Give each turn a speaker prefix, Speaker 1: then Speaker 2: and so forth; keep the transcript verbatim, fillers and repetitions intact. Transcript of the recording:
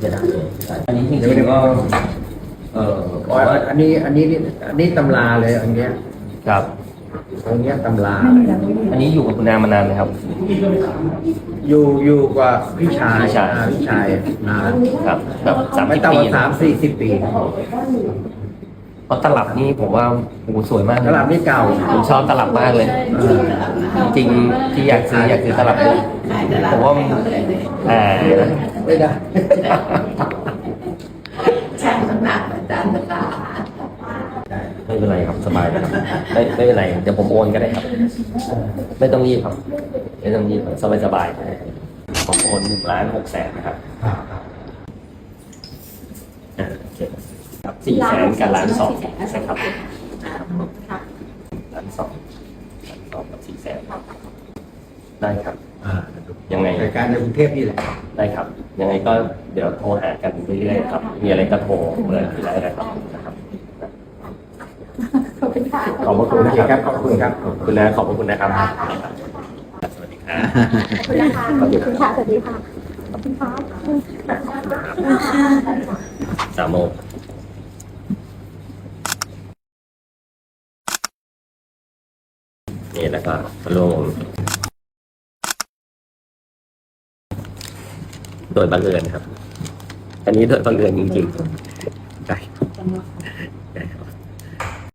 Speaker 1: จะได้อันนี้จริงๆก็เออ
Speaker 2: อ๋ออันนี้อันนี้อันนี้ตำราเลยอันเนี้ย
Speaker 1: ครับ
Speaker 2: องค์เนี้ยตำรา
Speaker 1: อันนี้อยู่กับคุณนามานานไหมครับ
Speaker 2: อยู่อยู่กับพี่ชาย
Speaker 1: พี่ชาย
Speaker 2: อ่พี่ชายนาน
Speaker 1: ครับแบบสาม
Speaker 2: ไม่
Speaker 1: สิบ
Speaker 2: ต่ำก
Speaker 1: ปี
Speaker 2: ว่าสามสี่สิบปี
Speaker 1: เพราะตลับนี่ผมว่าโอ้โหสวยมาก
Speaker 2: ตลาดนี่เก่า
Speaker 1: ผมชอบตลับมากเลย
Speaker 2: เออ
Speaker 1: จริงๆที่อยากซื้ออยากซื้อตลับด้วยผมว่ามันอ่า
Speaker 2: ไม่ได้
Speaker 3: ช่างน้ำหนักอาจารย์ตลา
Speaker 1: ไม่เป็นไรครับสบายนะครับไม่ไม่เป็นไรเดี๋ยวผมโอนก็ได้ครับ ไม่ต้องรีบครับไม่ต้องรีบสบายสบายๆผมโอนหนึ่งล้านหกแสนนะครับอ่าโอเคครับสี่แสนกับล้านสองนะครับล้านสองล้านสองกับสี่แสนได้ครับ
Speaker 2: อ่า
Speaker 1: ยังไง
Speaker 2: รายการในกรุงเทพนี่แหละ
Speaker 1: ได้ครับ ยังไงก็เดี๋ยวโทรหากันเรื่อยๆครับ มีอะไรก็โทรเบอร์ที่ได้นะครับนะครับ
Speaker 3: ขอบคุณค่ะ
Speaker 1: ขอบพระคุณนะ
Speaker 2: โอเค
Speaker 1: ค
Speaker 2: ครั
Speaker 1: รับบ
Speaker 2: ขอบคุณครับ
Speaker 1: ขอบคุณนะขอบพระคุณนะครับ สวัสดีครับ
Speaker 3: ขอบคุณนะคะขอบคุณค่ะ สวัสดีค่ะ ขอบคุณค่ะ
Speaker 1: สามโมงนี่แล้วก็พะโล่งโดยบังเอิญครับ อันนี้โดยบังเอิญจริงๆใช่